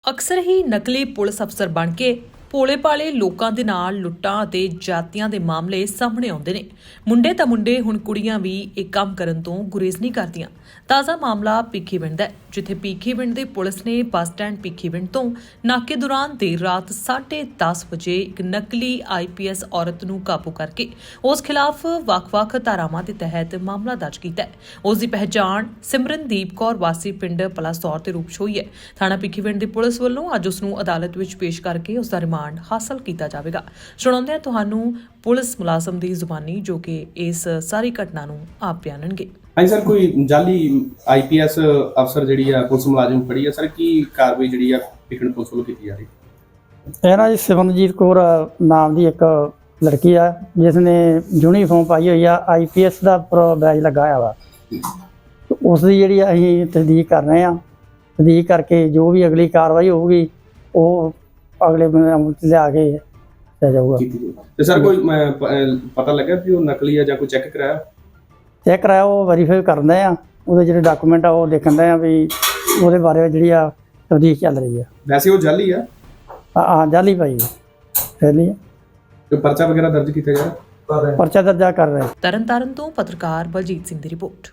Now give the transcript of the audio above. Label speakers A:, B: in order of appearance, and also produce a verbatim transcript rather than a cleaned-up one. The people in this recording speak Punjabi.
A: ਅਕਸਰ ਹੀ ਨਕਲੀ ਪੁਲਿਸ ਅਫਸਰ ਬਣ ਕੇ ਭੋਲੇ ਭਾਲੇ ਲੋਕਾਂ ਦੇ ਨਾਲ ਲੁੱਟਾਂ ਅਤੇ ਜਾਤੀਆਂ ਦੇ ਮਾਮਲੇ ਸਾਹਮਣੇ ਆਉਂਦੇ ਨੇ। ਮੁੰਡੇ ਤਾਂ ਮੁੰਡੇ ਹੁਣ ਕੁੜੀਆਂ ਵੀ ਇਹ ਕੰਮ ਕਰਨ ਤੋਂ ਗੁਰੇਜ਼ ਨਹੀਂ ਕਰਦੀਆਂ। ਤਾਜ਼ਾ ਮਾਮਲਾ ਭਿੱਖੀਵਿੰਡ ਦਾ ਹੈ, ਜਿੱਥੇ ਭਿੱਖੀਵਿੰਡ ਦੇ ਪੁਲਿਸ ਨੇ ਬੱਸ ਸਟੈਂਡ ਭਿੱਖੀਵਿੰਡ ਤੋਂ ਨਾਕੇ ਦੌਰਾਨ ਦੇਰ ਰਾਤ ਸਾਢੇ ਦਸ ਵਜੇ ਇੱਕ ਨਕਲੀ ਆਈ ਪੀ ਐਸ ਔਰਤ ਨੂੰ ਕਾਬੂ ਕਰਕੇ ਉਸ ਖਿਲਾਫ ਵੱਖ-ਵੱਖ ਧਾਰਾਵਾਂ ਦੇ ਤਹਿਤ ਮਾਮਲਾ ਦਰਜ ਕੀਤਾ ਹੈ। ਉਸ ਦੀ ਪਹਿਚਾਣ ਸਿਮਰਨਦੀਪ ਕੌਰ ਵਾਸੀ ਪਿੰਡ ਪਲਾਸੌਰ ਦੇ ਰੂਪ 'ਚ ਹੋਈ ਹੈ। ਥਾਣਾ ਭਿੱਖੀਵਿੰਡ ਦੀ ਪੁਲਿਸ ਵੱਲੋਂ ਅੱਜ ਉਸ ਨੂੰ ਅਦਾਲਤ ਵਿੱਚ ਪੇਸ਼ ਕਰਕੇ ਉਸ ਦਾ ਰਿਮਾਂਡ ਹਾਸਲ ਕੀਤਾ ਜਾਵੇਗਾ। ਸੁਣਾਉਂਦੇ ਹਾਂ ਤੁਹਾਨੂੰ ਪੁਲਿਸ ਮੁਲਾਜ਼ਮ ਦੀ ਜ਼ੁਬਾਨੀ, ਜੋ ਕਿ ਇਸ ਸਾਰੀ ਘਟਨਾ ਨੂੰ ਆਪ ਬਿਆਨਣਗੇ।
B: ਹਾਂਜੀ ਸਰ, ਕੋਈ ਜਾਲੀ ਆਈ ਪੀ ਐਸ ਅਫਸਰ ਜਿਹੜੀ ਆ ਪੁਲਿਸ ਮੁਲਾਜ਼ਮ ਫੜੀ ਆ ਸਰ, ਕੀ ਕਾਰਵਾਈ ਜਿਹੜੀ ਆ ਭਿੱਖੀਵਿੰਡ ਪੁਲਿਸ ਵੱਲੋਂ ਕੀਤੀ ਜਾ ਰਹੀ?
C: ਇਹ ਨਾ ਜੀ ਸਿਮਰਨਜੀਤ ਕੌਰ ਨਾਮ ਦੀ ਇੱਕ ਲੜਕੀ ਆ, ਜਿਸ ਨੇ ਯੂਨੀਫਾਰਮ ਪਾਈ ਹੋਈ ਆ, ਆਈ ਪੀ ਐਸ ਦਾ ਬੈਜ ਲੱਗਾ ਹੋਇਆ ਵਾ। ਉਸ ਦੀ ਜਿਹੜੀ ਅਸੀਂ ਤਸਦੀਕ ਕਰ ਰਹੇ ਹਾਂ। ਤਸਦੀਕ ਕਰਕੇ ਜੋ ਵੀ ਅਗਲੀ ਕਾਰਵਾਈ ਹੋਊਗੀ ਉਹ ਅਗਲੇ ਬੰਦੇ ਲਿਆ ਕੇ ਲਿਆ ਜਾਊਗਾ।
B: ਤੇ ਸਰ ਕੋਈ ਅਹ, ਪ- ਅਹ, ਪਤਾ ਲੱਗਾ ਵੀ ਉਹ ਨਕਲੀ ਆ ਜਾਂ ਕੋਈ ਚੈੱਕ ਕਰਾਇਆ?
C: ਚੈੱਕ ਕਰਾਇਆ, ਉਹ ਵੈਰੀਫਾਈ ਕਰਦੇ ਆ। ਉਹਦੇ ਜਿਹੜੇ ਡਾਕੂਮੈਂਟ ਆ ਉਹ ਦੇਖਣ ਦੇ ਆ ਵੀ ਉਹਦੇ ਬਾਰੇ ਜਿਹੜੀ ਆ ਤਸਦੀਕ ਚੱਲ ਰਹੀ ਆ।
B: ਵੈਸੇ ਉਹ ਜਾਲੀ ਆ?
C: ਹਾਂ ਹਾਂ ਜਾਲੀ ਭਾਈ ਫੈਲੀ ਆ।
B: ਕੋਈ ਪਰਚਾ ਵਗੈਰਾ ਦਰਜ ਕੀਤਾ ਜਾ ਰਿਹਾ?
C: ਪਰਚਾ ਦਰਜਾ ਕਰ ਰਹੇ।
A: ਤਰਨਤਾਰਨ ਤੋਂ ਪੱਤਰਕਾਰ ਬਲਜੀਤ ਸਿੰਘ ਦੀ ਰਿਪੋਰਟ।